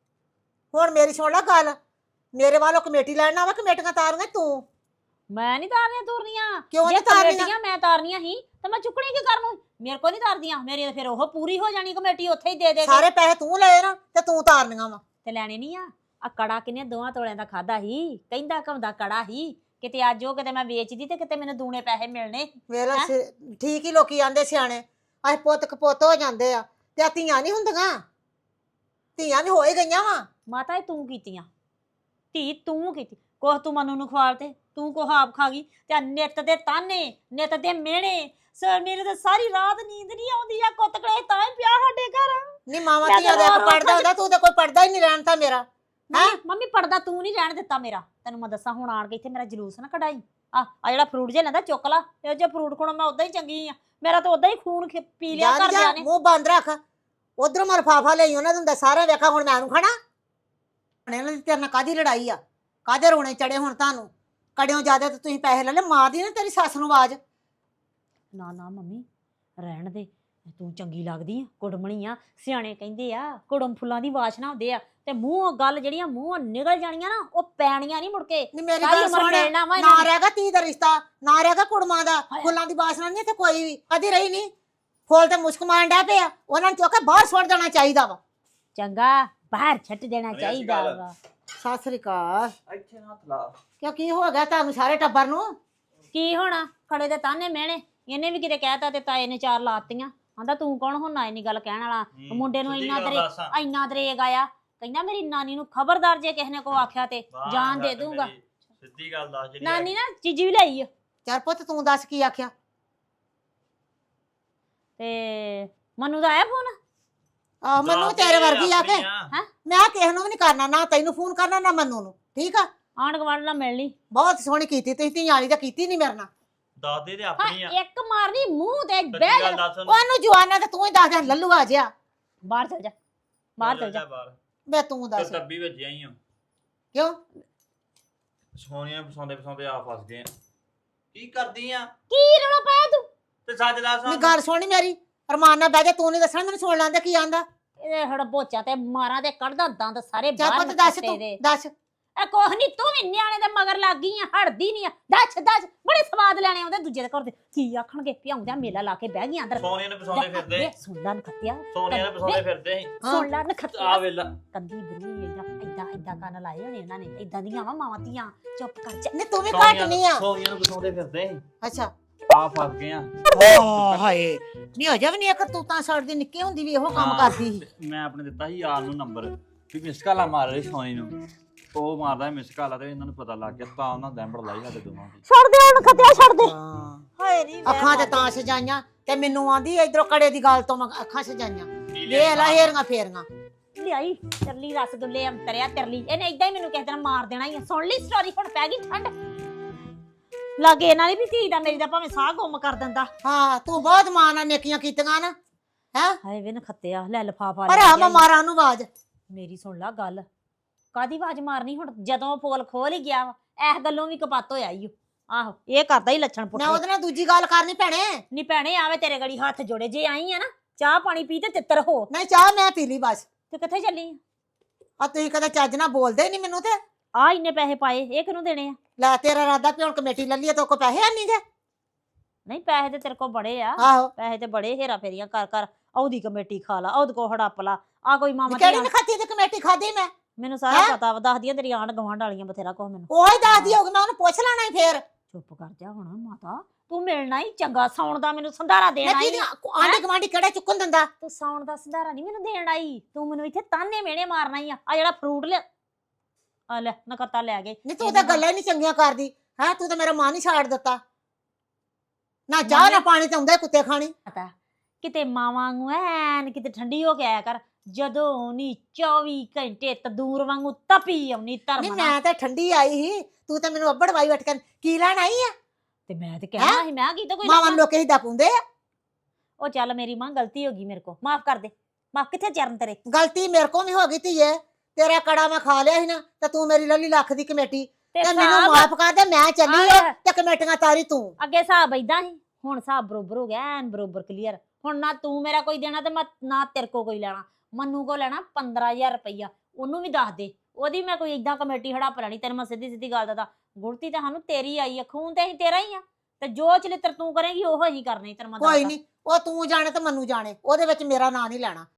Speaker 6: ਹੁਣ ਮੇਰੀ ਸੁਣ ਲੈ ਗੱਲ, ਮੇਰੇ ਵੱਲੋਂ ਕਮੇਟੀ ਲੈਣ ਆਵਾ, ਕਮੇਟੀਆਂ ਤਾਰੀਆਂ ਤੂੰ।
Speaker 5: ਮੈਂ ਨਹੀਂ ਤਾਰਨੀਆਂ ਤੁਰਨੀਆਂ।
Speaker 6: ਕਿਉਂ
Speaker 5: ਜੇ
Speaker 6: ਨਹੀਂ ਤਾਰਨੀਆਂ?
Speaker 5: ਕਮੇਟੀਆਂ ਮੈਂ ਤਾਰਨੀਆਂ ਸੀ ਤੇ ਮੈਂ ਚੁੱਕਣੀ ਕੀ ਕਰਨ ਨੂੰ, ਮੇਰੇ ਕੋਲ ਨਹੀਂ ਤਾਰਦੀਆਂ। ਮੇਰੀ ਤਾਂ ਫਿਰ ਉਹ ਪੂਰੀ ਹੋ ਜਾਣੀ ਕਮੇਟੀ, ਉੱਥੇ ਹੀ ਦੇ ਦੇ
Speaker 6: ਸਾਰੇ ਪੈਸੇ ਤੂੰ ਲਏ ਨਾ ਤੇ ਤੂੰ ਤਾਰਨੀਆਂ ਵਾ।
Speaker 5: ਤੇ ਲੈਣੇ ਨਹੀਂ ਆ ਕੜਾ ਕਿੰਨੇ 2 ਤੋਲਿਆਂ ਦਾ ਖਾਦਾ ਸੀ, ਕਹਿੰਦਾ ਘਮਦਾ ਕੜਾ ਸੀ। ਕਿਤੇ ਅੱਜ ਉਹ ਕਿਤੇ ਮੈਂ ਵੇਚਦੀ ਤੇ ਕਿਤੇ ਮੈਨੂੰ ਦੂਣੇ ਪੈਸੇ ਮਿਲਣੇ।
Speaker 6: ਵੇਲਾ ਠੀਕ ਹੀ ਲੋਕੀ ਆਂਦੇ ਸਿਆਣੇ ਅਸੀਂ ਪੁੱਤ ਕਪੁੱਤ ਹੋ ਜਾਂਦੇ ਆ ਤੇ ਆ ਧੀਆਂ ਨਹੀਂ ਹੁੰਦੀਆਂ, ਧੀਆਂ ਵੀ ਹੋ ਹੀ ਗਈਆਂ ਵਾ।
Speaker 5: ਮਾਤਾ ਇਹ ਤੂੰ ਕੀਤੀਆਂ, ਧੀ ਤੂੰ ਕੀਤੀ। ਕੋਹ ਤੂੰ ਮਨੂੰ ਨੂੰ ਖਵਾਲ ਤੇ ਤੂੰ ਕੋਹ ਆਪ ਖਾ ਗਈ ਤੇ ਆਹ ਨਿੱਤ ਦੇ ਤਾਨੇ ਨਿੱਤ ਦੇ ਮਿਹਣੇ। ਸਰ ਮੇਰੇ ਤਾਂ ਸਾਰੀ ਰਾਤ ਨੀਂਦ ਨਹੀਂ ਆਉਂਦੀ ਆ। ਕੁੱਤਕੜੇ ਤਾਂ ਹੀ ਪਿਆ ਸਾਡੇ ਘਰ।
Speaker 6: ਨਹੀਂ ਮਾਵਾਂ
Speaker 5: ਮੈਂ
Speaker 6: ਧੀਆਂ
Speaker 5: ਤਾਂ
Speaker 6: ਦਾ
Speaker 5: ਰੋ-ਰੋ
Speaker 6: ਪੜਦਾ ਹੁੰਦਾ, ਤੂੰ ਤਾਂ ਕੋਈ ਪੜਦਾ ਹੀ ਨਹੀਂ ਰਹਿਣ ਤਾਂ ਮੇਰਾ।
Speaker 5: ਮੰਮੀ ਪੜਦਾ ਤੂੰ ਨਹੀਂ ਰਹਿਣ ਦਿੱਤਾ ਮੇਰਾ। ਤੈਨੂੰ ਮੈਂ ਦੱਸਾਂ ਹੁਣ ਆਣ ਕੇ ਇੱਥੇ ਮੇਰਾ ਜਲੂਸ ਨਾ ਕਢਾਈ। ਆ ਜਿਹੜਾ ਫਰੂਟ ਜੇ ਲੈਂਦਾ ਚੁੱਕ ਲਾ, ਇਹ ਜੇ ਫਰੂਟ ਖੋਣਾ ਮੈਂ ਉਦਾਂ ਹੀ ਚੰਗੀ ਆ। ਮੇਰਾ ਤਾਂ ਉਦਾਂ ਹੀ ਖੂਨ ਪੀ ਲਿਆ
Speaker 6: ਜਾ
Speaker 5: ਘਰਦਿਆਂ ਨੇ।
Speaker 6: ਮੂੰਹ ਬੰਦ ਰੱਖ। ਉਧਰੋਂ ਮੈਂ ਲਿਫਾਫਾ ਲਈ ਉਹਨਾਂ ਨੂੰ ਸਾਰਾ ਵੇਖਾ, ਹੁਣ ਮੈਂ ਨੂੰ ਖਾਣਾ। ਇਹਨਾਂ ਦੀ ਤੇਰੇ ਨਾਲ ਕਾਹਦੀ ਲੜਾਈ ਆ, ਕਾਹਦੇ ਰੋਣੇ ਚੜੇ ਹੁਣ ਤੁਹਾਨੂੰ? ਕੜਿਓ ਜ਼ਿਆਦਾ ਤੇ ਤੁਸੀਂ ਪੈਸੇ ਲੈ ਲੈ, ਮਾਰਦੀ ਨਾ ਤੇਰੀ ਸੱਸ ਨੂੰ ਆਵਾਜ਼।
Speaker 5: ਨਾ ਨਾ ਮੰਮੀ ਰਹਿਣ ਦੇ, ਤੂੰ ਚੰਗੀ ਲੱਗਦੀ ਆ, ਕੁੜਮਣੀ ਆ। ਸਿਆਣੇ ਕਹਿੰਦੇ ਆ ਕੁੜਮ ਫੁੱਲਾਂ ਦੀ ਵਾਸ਼ਨਾ ਹੁੰਦੇ ਆ ਤੇ ਮੂੰਹ ਗੱਲ ਜਿਹੜੀਆਂ ਮੂੰਹੋਂ ਨਿਕਲ ਜਾਣੀਆਂ ਨਾ ਉਹ ਪੈਣੀਆਂ ਨਹੀਂ ਮੁੜ ਕੇ।
Speaker 6: ਨਹੀਂ ਮੇਰੀ
Speaker 5: ਸਾਰੀ
Speaker 6: ਗੱਲ
Speaker 5: ਉਮਰ
Speaker 6: ਸੁਣ,
Speaker 5: ਮਿਲਣਾ ਵਾ
Speaker 6: ਨਾ
Speaker 5: ਇਹਨਾਂ ਨੇ।
Speaker 6: ਰਹੇਗਾ ਧੀ ਦਾ ਰਿਸ਼ਤਾ, ਨਾ ਰਹੇਗਾ ਕੁੜਮਾਂ ਦਾ। ਫੁੱਲਾਂ ਦੀ ਬਾਸਨਾ ਨਹੀਂ ਇੱਥੇ ਕੋਈ ਵੀ ਕਦੀ ਰਹੀ ਨਹੀਂ। ਫੁੱਲ ਤੇ ਮੁਸ਼ਕ ਮਾਰਨ ਡੈ ਪਿਆ, ਉਹਨਾਂ ਨੂੰ ਚੁੱਕ ਕੇ ਬਾਹਰ ਸੁੱਟ ਦੇਣਾ ਚਾਹੀਦਾ ਵਾ।
Speaker 5: ਚੰਗਾ ਬਾਹਰ ਛੱਡ ਦੇਣਾ ਚਾਹੀਦਾ ਵਾ।
Speaker 6: ਸਤਿ ਸ੍ਰੀ ਅਕਾਲ।
Speaker 7: ਇੱਥੇ ਹੱਥ ਲਾ।
Speaker 6: ਕਿਉਂ ਕੀ ਹੋ ਗਿਆ ਤੁਹਾਨੂੰ ਸਾਰੇ ਟੱਬਰ ਨੂੰ?
Speaker 5: ਕੀ ਹੋਣਾ, ਖੜੇ ਦੇ ਤਾਨੇ ਮਿਹਣੇ। ਇਹਨੇ ਵੀ ਕਿਤੇ ਕਹਿਤਾ ਤੇ ਤਾਏ ਨੇ 4 ਲਾਤੀਆਂ। ਆਂਦਾ ਤੂੰ ਕੌਣ ਹੁੰਨਾ ਇੰਨੀ ਗੱਲ ਕਹਿਣ ਵਾਲਾ। ਮੁੰਡੇ ਨੂੰ ਇੰਨਾ ਦਰੇਗ ਆਇਆ, ਕਹਿੰਦਾ ਮੇਰੀ ਨਾਨੀ ਨੂੰ ਖਬਰਦਾਰ ਜੇ ਕਿਸੇ ਨੇ ਕੋ ਆਖਿਆ ਤੇ ਜਾਨ ਦੇ ਦੂੰਗਾ।
Speaker 7: ਸਿੱਧੀ ਗੱਲ ਦੱਸ ਜਿਹੜੀ
Speaker 5: ਨਾਨੀ ਨਾ ਚੀਜੀ ਵੀ ਲਈ ਆ।
Speaker 6: ਚੱਲ ਪੁੱਤ ਤੂੰ ਦੱਸ ਕੀ ਆਖਿਆ?
Speaker 5: ਤੇ ਮਨੂੰ ਦਾ ਆਇਆ ਫੋਨ?
Speaker 6: ਆ ਮੈਨੂੰ ਤੇਰੇ ਵਰਗੀ ਆ ਕੇ
Speaker 5: ਹੈਂ?
Speaker 6: ਮੈਂ ਕਿਸੇ ਨੂੰ ਵੀ ਨਹੀਂ ਕਰਨਾ, ਨਾ ਤੈਨੂੰ ਫੋਨ ਕਰਨਾ ਨਾ ਮੰਨੂ ਨੂੰ। ਠੀਕ ਆ,
Speaker 5: ਆਂਢ ਗੁਆਂਢ ਨਾਲ ਮਿਲ ਲਈ।
Speaker 6: ਬਹੁਤ ਸੋਹਣੀ ਕੀਤੀ ਤੁਸੀਂ, ਧੀਆਂ ਵਾਲੀ ਤਾਂ ਕੀਤੀ ਨਹੀਂ ਮੇਰੇ ਨਾਲ।
Speaker 7: ਦੱਸਦੇ ਤੇ
Speaker 5: ਹਾਂ
Speaker 7: ਆਪਣੀ ਆ।
Speaker 5: ਇੱਕ ਮਾਰਨੀ ਮੂੰਹ ਤੇ
Speaker 7: ਸੱਚੀ
Speaker 5: ਬਹਿ
Speaker 7: ਗੱਲ
Speaker 5: ਜਾ।
Speaker 7: ਦੱਸ ਉਹਨੂੰ।
Speaker 6: ਉਹਨੂੰ ਜਵਾਨਾਂ ਤੇ ਤੂੰ ਹੀ ਦੱਸ ਦੇ ਲੱਲੂ ਆ ਜਿਆ।
Speaker 5: ਬਾਹਰ ਚਲ ਜਾ, ਬਾਹਰ ਚਲ ਜਾ।
Speaker 7: ਬਾਹਰ
Speaker 6: ਵੇ ਤੂੰ
Speaker 7: ਤੇ
Speaker 6: ਦੱਸ
Speaker 7: ਤੱਬੀ ਵੱਜਿਆ ਹੀ ਆ।
Speaker 6: ਕਿਉਂ?
Speaker 7: ਸੋਹਣੀਆਂ ਪਸਾਉਂਦੇ ਆ ਫਸ ਗਏ ਆ। ਕੀ ਕਰਦੀ ਆ?
Speaker 5: ਕੀ ਰੌਲਾ ਪਾਇਆ ਤੂੰ?
Speaker 7: ਤੇ ਸੱਚ ਦੱਸ
Speaker 6: ਨਹੀਂ ਗੱਲ ਸੁਣੀ ਮੇਰੀ, ਅਰਮਾਨ ਨਾਲ ਬਹਿ ਜਾ। ਤੂੰ ਨਹੀਂ ਦੱਸਣਾ, ਮੈਨੂੰ ਸੁਣ ਲੈਂਦਾ ਕੀ ਆਂਦਾ।
Speaker 5: ਇਹ ਹੜ ਬੋਚਾ ਤੇ ਮਾਰਾਂ ਤੇ ਕੱਢਦਾ ਦੰਦ ਸਾਰੇ
Speaker 6: ਚੱਲ
Speaker 5: ਬਾਹਰ
Speaker 6: ਪੁੱਤ ਦੱਸ,
Speaker 5: ਨਿਕਲਦੇ
Speaker 6: ਤੂੰ
Speaker 5: ਦੇ।
Speaker 6: ਦੱਸ।
Speaker 5: ਇਹ ਕੁਛ ਨਹੀਂ, ਤੂੰ ਵੀ ਨਿਆਣੇ ਦੇ ਮਗਰ ਲੱਗ ਗਈ ਆ, ਹੜਦੀ ਨਹੀਂ ਆ। ਦੱਸ ਬੜੇ ਸਵਾਦ ਲੈਣੇ ਆਉਂਦੇ ਦੂਜੇ ਦੇ ਘਰ ਦੇ। ਕੀ ਆਖਣਗੇ ਪਿਆਉਂਦਿਆਂ ਮੇਲਾ ਲਾ ਕੇ ਬਹਿ ਗਈ ਅੰਦਰ।
Speaker 7: ਸੋਹਣੀਆਂ ਨੇ ਪਸਾਉਂਦੇ ਫਿਰਦੇ।
Speaker 5: ਵੇ ਸੁਣ ਲੈ ਨਖੱਤਿਆ,
Speaker 7: ਸੋਹਣੀਆਂ ਨੇ ਪਸਾਉਂਦੇ ਫਿਰਦੇ ਸੀ।
Speaker 5: ਸੁਣ ਲੈ
Speaker 7: ਆ
Speaker 5: ਨਖੱਤਿਆ।
Speaker 7: ਵੇਲਾ
Speaker 5: ਕੰਦੀ ਬੁਰੀ ਏਦਾਂ ਕੰਨ ਲਾਏ ਹੋਣੇ ਇਹਨਾਂ ਨੇ। ਏਦਾਂ ਦੀਆਂ ਵਾ ਮਾਵਾਂ ਧੀਆਂ। ਚੁੱਪ ਕਰ ਜਾ।
Speaker 6: ਨਹੀਂ ਤੂੰ ਵੀ ਘੱਟ ਨਹੀਂ ਆ।
Speaker 7: ਸੋਹਣੀਆਂ ਨੂੰ ਪਸਾਉਂਦੇ ਫਿਰਦੇ ਸੀ।
Speaker 6: ਅੱਛਾ
Speaker 7: ਆ ਫਸ ਗਏ ਆ।
Speaker 6: ਹਾਏ ਨਹੀਂ ਹੋ ਜਾ ਵੀ ਨਹੀਂ ਇੱਕ ਤੂੰ ਤਾਂ ਸੜਦੀ ਨਿੱਕੀ ਹੁੰਦੀ ਵੀ ਇਹੋ ਕੰਮ
Speaker 7: ਹਾਂ।
Speaker 6: ਕਰਦੀ ਸੀ।
Speaker 7: ਮੈਂ ਆਪਣੇ ਦਿੱਤਾ ਸੀ ਯਾਰ ਨੂੰ ਨੰਬਰ ਵੀ ਮਿਸ ਕਾਲਾ ਮਾਰ ਰਹੀ ਸੋਹਣੀ ਨੂੰ। ਉਹ ਮਾਰਦਾ ਮਿਸ ਕਾਲਾ ਤੇ ਇਹਨਾਂ ਨੂੰ ਪਤਾ ਲੱਗ ਗਿਆ ਤਾਂ ਉਹਨਾਂ ਦੈਂਬੜ ਲਾਈ ਸਾਡੇ ਦੋਵਾਂ ਦੀ।
Speaker 5: ਛੱਡ ਦੇ ਹੁਣ ਨਖੱਤਿਆ, ਛੱਡ ਦੇ।
Speaker 6: ਹਾਏ ਨਹੀਂ ਅੱਖਾਂ ਤੇ ਤਾਂ ਸਜਾਈਆਂ ਤੇ ਮੈਨੂੰ ਆਂਦੀ ਇਧਰੋਂ ਕੜੇ ਦੀ ਗੱਲ ਤੋਂ ਮੈਂ ਅੱਖਾਂ ਸਜਾਈਆਂ। ਵੇਖ ਲੈ ਹੇਰੀਆਂ ਫੇਰੀਆਂ।
Speaker 5: ਲਿਆਈ ਤਰਲੀ ਰਸਗੁੱਲੇ ਅੰਤਰਿਆ ਤਰਲੀ। ਇਹਨੇ ਏਦਾਂ ਹੀ ਮੈਨੂੰ ਕਿਸੇ ਦਿਨ ਮਾਰ ਦੇਣਾ ਹੀ ਆ। ਸੁਣ ਲਈ ਸਟੋਰੀ, ਹੁਣ ਪੈ ਗਈ ਠੰਡ। ਲਾਗੇ ਇਹਨਾਂ ਦੀ ਵੀ ਧੀ ਦਾ ਮੇਰੀ ਦਾ ਭਾਵੇਂ ਸਾਹ ਗੁੰਮ ਕਰ ਦਿੰਦਾ।
Speaker 6: ਹਾਂ ਤੂੰ ਬਹੁਤ ਮਾਂ ਨਾਲ ਨੇਕੀਆਂ ਕੀਤੀਆਂ ਨਾ। ਹੈ
Speaker 5: ਹਾਏ ਵੇ ਨਖੱਤਿਆ, ਲੈ ਲਫਾਫਾ
Speaker 6: ਪਰ ਆ ਮੈਂ ਮਾਰਾਂ ਨੂੰ ਆਵਾਜ਼।
Speaker 5: ਮੇਰੀ ਸੁਣ ਲਾ ਗੱਲ। ਕਾਦੀ ਆਵਾਜ਼ ਮਾਰਨੀ ਹੁਣ, ਜਦੋਂ ਪੋਲ ਖੋਲ ਹੀ ਗਿਆ ਵਾ। ਇਸ ਗੱਲੋਂ ਵੀ ਕਪੱਤ ਹੋਇਆ ਈ ਓ। ਆਹੋ ਇਹ ਕਰਦਾ ਹੀ ਲੱਛਣ
Speaker 6: ਮੈਂ
Speaker 5: ਪੁੱਠੇ।
Speaker 6: ਉਹਦੇ ਨਾਲ ਦੂਜੀ ਗੱਲ ਕਰਨੀ ਭੈਣੇ।
Speaker 5: ਨੀ ਭੈਣੇ ਆਵੇ ਤੇਰੇ ਗੜੀ ਹੱਥ ਜੋੜੇ। ਜੇ ਆਈ ਆ ਨਾ ਚਾਹ ਪਾਣੀ ਪੀ ਤੇ ਤਿੱਤਰ ਹੋ।
Speaker 6: ਨਹੀਂ ਚਾਹ ਮੈਂ ਪੀ ਲਈ ਬਸ।
Speaker 5: ਤੇ ਕਿੱਥੇ ਚੱਲੀ
Speaker 6: ਆ ਤੁਸੀਂ ਕਦੇ ਚੱਜ ਨਾਲ ਬੋਲਦੇ ਨਹੀਂ ਮੈਨੂੰ ਤੇ।
Speaker 5: ਆ ਇੰਨੇ ਪੈਸੇ ਪਾਏ, ਇਹ ਕਿਹਨੂੰ ਦੇਣੇ ਆ?
Speaker 6: ਲੈ ਤੇਰਾ ਇਰਾਦਾ ਵੀ ਹੁਣ ਕਮੇਟੀ ਲੈ ਲਈਏ ਤੇ ਕੋ ਪੈਸੇ ਨਹੀਂ ਗੇ।
Speaker 5: ਨਹੀਂ ਪੈਸੇ ਤੇ ਤੇਰੇ ਕੋਲ ਬੜੇ ਆ।
Speaker 6: ਆਹੋ
Speaker 5: ਪੈਸੇ ਤੇ ਬੜੇ, ਹੇਰਾ ਫੇਰੀਆਂ ਕਰ ਕਰ ਉਹਦੀ ਕਮੇਟੀ ਖਾ ਲਾ, ਉਹਦੇ ਕੋ ਹੜੱਪ ਲਾ। ਆ ਕੋਈ ਮਾਮਾ
Speaker 6: ਕਿਹੜੀ
Speaker 5: ਧੀਆਂ-
Speaker 6: ਨਖੱਤੀ ਦੀ ਕਮੇਟੀ ਖਾਦੀ ਮੈਂ?
Speaker 5: ਮੈਨੂੰ ਸਾਰਾ
Speaker 6: ਹੈਂ?
Speaker 5: ਪਤਾ ਵਾ, ਦੱਸਦੀਆਂ ਤੇਰੀ ਆਂਢ ਗਵਾਂਢ ਵਾਲੀਆਂ ਬਥੇਰਾ ਕੁਛ ਮੈਨੂੰ।
Speaker 6: ਉਹ ਹੀ ਦੱਸਦੀ ਹੋਊਗੀ, ਮੈਂ ਉਹਨੂੰ ਪੁੱਛ ਲੈਣਾ ਹੀ ਫੇਰ।
Speaker 5: ਚੁੱਪ ਕਰ ਜਾ ਹੁਣ ਮਾਤਾ, ਤੂੰ ਮਿਲਣਾ ਹੀ ਚੰਗਾ। ਸੌਣ ਦਾ ਮੈਨੂੰ ਸੰਧਾਰਾ ਦੇਣ
Speaker 6: ਮੈਂ
Speaker 5: ਆਈ।
Speaker 6: ਕੀ ਆਂਢੀ ਗਵਾਂਢੀ ਕਿਹੜਾ ਚੁੱਕਣ ਦਿੰਦਾ?
Speaker 5: ਤੂੰ ਸੌਣ ਦਾ ਸੰਧਾਰਾ ਨਹੀਂ ਮੈਨੂੰ ਦੇਣ ਆਈ। ਤੂੰ ਮੈਨੂੰ ਇੱਥੇ ਤਾਨੇ ਮਿਹਣੇ ਮਾਰਨਾ ਹੀ ਆ। ਆ ਜਿਹੜਾ ਫਰੂਟ ਲਿਆ ਆ ਲੈ ਨਕੱਤਾ ਲੈ ਗਏ।
Speaker 6: ਨਹੀਂ ਤੂੰ ਤਾਂ ਗੱਲਾਂ ਹੀ ਨਹੀਂ ਚੰਗੀਆਂ ਕਰਦੀ। ਹੈ ਤੂੰ ਤਾਂ ਮੇਰਾ ਮਨ ਹੀ ਛਾੜ ਦਿੱਤਾ ਨਾ ਚਾਹ ਨਾ ਪਾਣੀ ਤੇ ਆਉਂਦੇ ਕੁੱਤੇ ਖਾਣੀ
Speaker 5: ਪਤਾ ਕਿਤੇ ਮਾਵਾਂ ਵਾਂਗੂ ਐਨ ਕਿਤੇ ਠੰਡੀ ਹੋ ਕੇ ਆਇਆ ਕਰ ਜਦੋਂ ਨੀ 24 ਘੰਟੇ ਤੰਦੂਰ ਵਾਂਗੂ ਤਪੀ ਆਉਣੀ
Speaker 6: ਨਹੀਂ
Speaker 5: ਧਰਮ ਨਾਲ।
Speaker 6: ਮੈਂ ਤਾਂ ਠੰਡੀ ਆਈ ਸੀ ਤੂੰ ਤਾਂ ਮੈਨੂੰ ਅੱਬੜ ਵਾਈ ਵਟ ਕੇ ਕੀ ਲੈਣ ਆਈ ਆ
Speaker 5: ਤੇ ਮੈਂ ਤੇ ਕਹਿਣਾ ਸੀ ਮੈਂ ਕੀ ਤਾਂ ਕੋਈ
Speaker 6: ਮਾਵਾਂ
Speaker 5: ਲੈਣਾ।
Speaker 6: ਲੋਕੇ ਹੀ ਦਪੁੰਦੇ ਆ
Speaker 5: ਉਹ ਚੱਲ ਮੇਰੀ ਮਾਂ ਗਲਤੀ ਹੋ ਗਈ ਮੇਰੇ ਕੋ ਮਾਫ ਕਰ ਦੇ ਮਾਫ ਕਿੱਥੇ ਚਰਨ ਤੇਰੇ
Speaker 6: ਗਲਤੀ ਮੇਰੇ ਕੋਲ ਵੀ ਹੋ ਗਈ ਧੀਏ ਤੇਰਾ ਕੜਾ ਮੈਂ ਖਾ ਲਿਆ ਸੀ ਨਾ ਤੇ ਤੂੰ ਮੇਰੀ ਲੱਲੀ ਲੱਖ ਦੀ ਕਮੇਟੀ ਤੇ ਮੈਨੂੰ
Speaker 5: ਹਿਸਾਬ-
Speaker 6: ਮਾਫ ਕਰ ਦੇ ਮੈਂ ਚੱਲੀ ਆ
Speaker 5: ਆਹ।
Speaker 6: ਤੇ ਕਮੇਟੀਆਂ ਤਾਰੀ ਤੂੰ
Speaker 5: ਅੱਗੇ ਹਿਸਾਬ ਏਦਾਂ ਸੀ ਹੁਣ ਹਿਸਾਬ ਬਰੋਬਰ ਹੋ ਗਿਆ ਐਨ ਬਰੋਬਰ ਕਲੀਅਰ ਹੁਣ ਨਾ ਤੂੰ ਮੇਰਾ ਕੋਈ ਦੇਣਾ ਤੇ ਨਾ ਤੇਰੇ ਕੋ ਕੋਈ ਲੈਣਾ ਮੰਨੂ ਕੋ ਲੈਣਾ 15000 ਰੁਪਈਆ ਉਹਨੂੰ ਵੀ ਦੱਸ ਦੇ ਉਹਦੀ ਮੈਂ ਕੋਈ ਏਦਾਂ ਕਮੇਟੀ ਹੜੱਪ ਲੈਣੀ ਤੈਨੂੰ ਮੈਂ ਸਿੱਧੀ ਸਿੱਧੀ ਗੱਲ ਦੱਸਦਾ ਗੁੜਤੀ ਤਾਂ ਸਾਨੂੰ ਤੇਰੀ ਆਈ ਆ ਖੂਨ ਤੇ ਅਸੀਂ ਤੇਰਾ ਹੀ ਆ ਤੇ ਜੋ ਚਲਿੱਤਰ ਤੂੰ ਕਰੇਗੀ ਉਹ ਹੀ ਕਰਨੀ ਤੈਨੂੰ ਮੈਂ
Speaker 6: ਕੋਈ
Speaker 5: ਦੱਸਦਾ
Speaker 6: ਨਹੀਂ ਉਹ ਤੂੰ ਜਾਣੇ ਤੇ ਮੈਨੂੰ ਜਾਣੇ ਉਹਦੇ ਵਿੱਚ ਮੇਰਾ ਨਾਂ ਨਹੀਂ ਲੈਣਾ